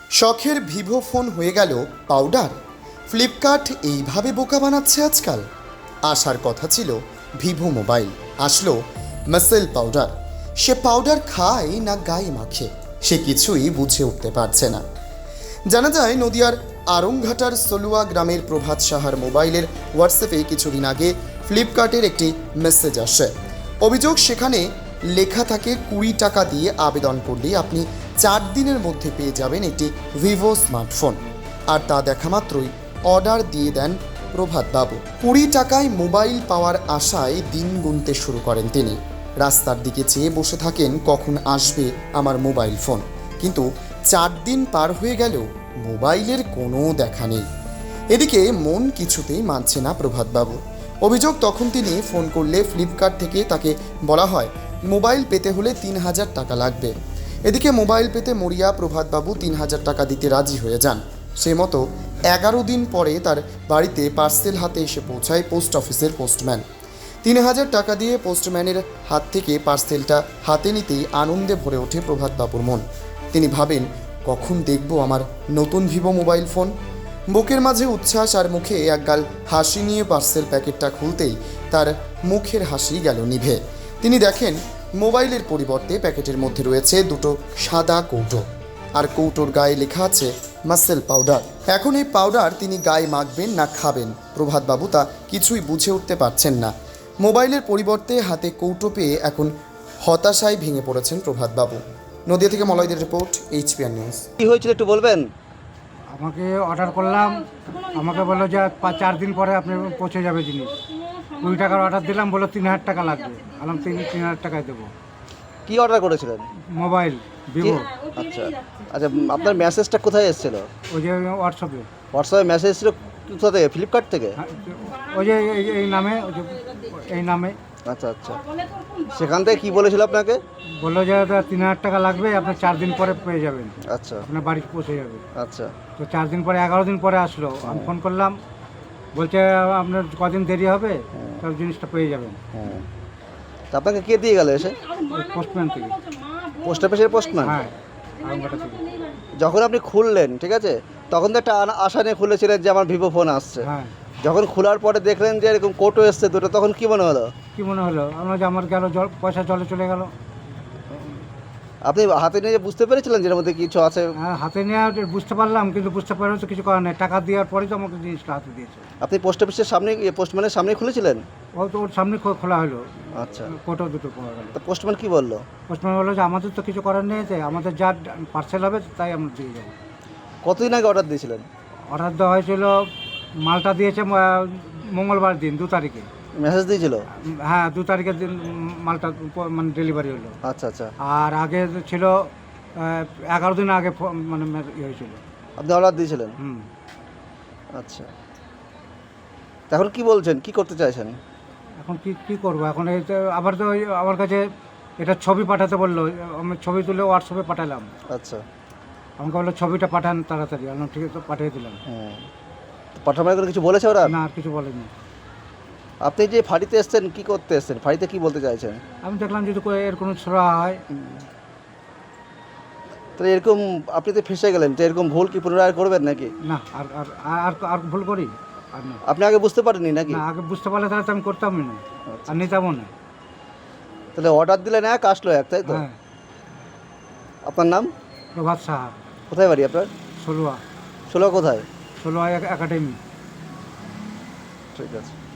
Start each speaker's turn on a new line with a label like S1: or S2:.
S1: শখের Vivo phone হয়ে গেল পাউডার। ফ্লিপকার্ট এইভাবে বোকা বানাচ্ছে আজকাল। আসার কথা ছিল ভিভো মোবাইল, আসলো মাসেল পাউডার। সে পাউডার খায় না গায়ে মাখে, সে কিছুই বুঝে উঠতে পারছে না। জানা যায় নদিয়ার আরংঘাটার সলুয়া গ্রামের প্রভাত সাহার মোবাইলের হোয়াটসঅ্যাপে কিছুদিন আগে ফ্লিপকার্টের একটি মেসেজ আসে। অভিযোগ, সেখানে লেখা থাকে 20 টাকা দিয়ে আবেদন করলে আপনি 4 দিনের মধ্যে পেয়ে যাবেন একটি ভিভো স্মার্টফোন। আর তা দেখা মাত্রই অর্ডার দিয়ে দেন প্রভাতবাবু। 20 টাকায় মোবাইল পাওয়ার আশায় দিন গুনতে শুরু করেন তিনি। রাস্তার দিকে চেয়ে বসে থাকেন কখন আসবে আমার মোবাইল ফোন, কিন্তু 4 দিন পার হয়ে গেলেও মোবাইলের কোনো দেখা নেই। এদিকে মন কিছুতেই মানছে না প্রভাতবাবু। অভিযোগ, তখন তিনি ফোন করলে ফ্লিপকার্ট থেকে তাকে বলা হয় মোবাইল পেতে হলে 3000 টাকা লাগবে। এদিকে মোবাইল পেতে মরিয়া প্রভাতবাবু 3000 টাকা দিতে রাজি হয়ে যান। সে মতো 11 দিন পরে তার বাড়িতে পার্সেল হাতে এসে পৌঁছায় পোস্ট অফিসের পোস্টম্যান। 3000 টাকা দিয়ে পোস্টম্যানের হাত থেকে পার্সেলটা হাতে নিতেই আনন্দে ভরে ওঠে প্রভাতবাবুর মন। তিনি ভাবেন, কখন দেখব আমার নতুন ভিভো মোবাইল ফোন। বুকের মাঝে উচ্ছ্বাস আর মুখে একগাল হাসি নিয়ে পার্সেল প্যাকেটটা খুলতেই তার মুখের হাসি গেল নিভে। তিনি দেখেন মোবাইলের পরিবর্তে প্যাকেটের মধ্যে রয়েছে দুটো সাদা কৌটো, আর কৌটোর গায়ে লেখা আছে মাসেল পাউডার। এখন এই পাউডার তিনি গায়ে মাখবেন না খাবেন, প্রভাতবাবু তা কিছুই বুঝে উঠতে পারছেন না। মোবাইলের পরিবর্তে হাতে কৌটো পেয়ে এখন হতাশায় ভেঙে পড়েছেন প্রভাতবাবু। নদিয়া থেকে মলয়দের রিপোর্ট, HPR নিউজ।
S2: কি হয়েছিল একটু বলবেন?
S3: আমাকে অর্ডার করলাম, আমাকে বললো যে 4 দিন পরে আপনি পৌঁছে যাবে জিনিস। 20 টাকার অর্ডার দিলাম, বললো 3000 টাকা লাগবে। আলাম 3000 টাকায় দেবো।
S2: কি অর্ডার করেছিলেন?
S3: Mobile Vivo.
S2: আচ্ছা আচ্ছা, আপনার মেসেজটা কোথায় এসেছিল?
S3: ওই যে হোয়াটসঅ্যাপে।
S2: হোয়াটসঅ্যাপে মেসেজ ছিল কোথা থেকে? ফ্লিপকার্ট থেকে?
S3: ওই যে এই নামে, ওই যে এই নামে।
S2: আচ্ছা আচ্ছা, সেখান থেকে কি বলেছিল আপনাকে?
S3: বললো যে 3000 টাকা লাগবে, আপনি 4 দিন পরে পেয়ে যাবেন,
S2: আচ্ছা
S3: আপনার বাড়ি পৌঁছে যাবে।
S2: আচ্ছা,
S3: তো 4 দিন পরে 11 দিন পরে আসলো। আমি ফোন করলাম, বলছে আপনার কদিন দেরি হবে, সব জিনিসটা পেয়ে যাবেন।
S2: তা আপনাকে কে দিয়ে গেল এসে?
S3: পোস্টম্যান থেকে।
S2: পোস্ট অফিসের পোস্টম্যান?
S3: হ্যাঁ, আরামবাটা থেকে।
S2: যখন আপনি খুললেন, ঠিক আছে, তখন তো একটা আশা নিয়ে খুলেছিলেন যে আমার ভিভো ফোন আসছে।
S3: হ্যাঁ।
S2: যখন খোলার পরে দেখলেন যে এরকম কোটো এসছে দুটো, তখন কি মনে হলো?
S3: কি মনে হলো? আমরা যে আমার গেল পয়সা জলে চলে গেল।
S2: আপনি হাতে নিয়ে বুঝতে পেরেছিলেন যে এর মধ্যে কিছু আছে?
S3: হ্যাঁ, হাতে নিয়ে বুঝতে পারলাম, কিন্তু বুঝতে পারলে তো কিছু করার নেই। টাকা দেওয়ার পরেই তো আমাকে জিনিসটা হাতে দিয়েছে।
S2: আপনি পোস্ট অফিসের সামনে, পোস্টম্যানের সামনে খুলেছিলেন?
S3: ও তো ওর সামনে খোলা হলো।
S2: আচ্ছা,
S3: কোটো দুটো পাওয়া গেল।
S2: তা পোস্টম্যান কি বললো?
S3: পোস্টম্যান বললো যে আমাদের তো কিছু করার নেই, তাই আমাদের যা পার্সেল হবে তাই আমরা দিয়ে যাবো।
S2: কতদিন আগে অর্ডার দিয়েছিলেন?
S3: অর্ডার দেওয়া হয়েছিল, মালটা দিয়েছে মঙ্গলবার দিন 2 তারিখে।
S2: মেসেজ দিয়েছিল?
S3: হ্যাঁ, 2 তারিখের দিন মালটা মানে ডেলিভারি হলো।
S2: আচ্ছা আচ্ছা,
S3: আর আগে ছিল 11 দিন আগে মানে ইয়ে হয়েছিল।
S2: আপনি অর্ডার দিয়েছিলেন?
S3: হুম।
S2: আচ্ছা, তা এখন কি বলছেন, কি করতে চাইছেন?
S3: এখন কি করবো? এখন এই তো আবার তো ওই আমার কাছে এটা ছবি পাঠাতে বললো। আমি ছবি তুলে হোয়াটসঅ্যাপে পাঠালাম।
S2: আচ্ছা,
S3: আমাকে বললো ছবিটা পাঠান তাড়াতাড়ি। আমি ঠিক আছে, পাঠিয়ে দিলাম।
S2: পাঠানোর করে কিছু বলেছে ওরা?
S3: না, আর কিছু বলেনি।
S2: আপনি যে ফাঁড়িতে এসছেন, কি করতে এসছেন? ফাঁড়িতে কি বলতে চাইছেন?
S3: আমি দেখলাম যদি এর কোনো ছোড়া হয়।
S2: তাহলে এরকম আপনি তো ফেসে গেলেন, তো এরকম ভুল কি পুনরায় করবেন নাকি?
S3: না, আর আর আর আর ভুল করি আর না।
S2: আপনি আগে বুঝতে পারেননি নাকি?
S3: না, আগে বুঝতে পারলে তাহলে তো আমি করতামই না, আর নিতামও না।
S2: তাহলে অর্ডার দিলেন এক, আসলো এক, তাই তো?
S3: হ্যাঁ।
S2: আপনার নাম?
S3: প্রভাত সাহা।
S2: কোথায় বাড়ি আপনার?
S3: ষোলোয়া।
S2: ষোলো কোথায়?
S3: ষোলোয়া একাডেমি।
S2: ঠিক আছে।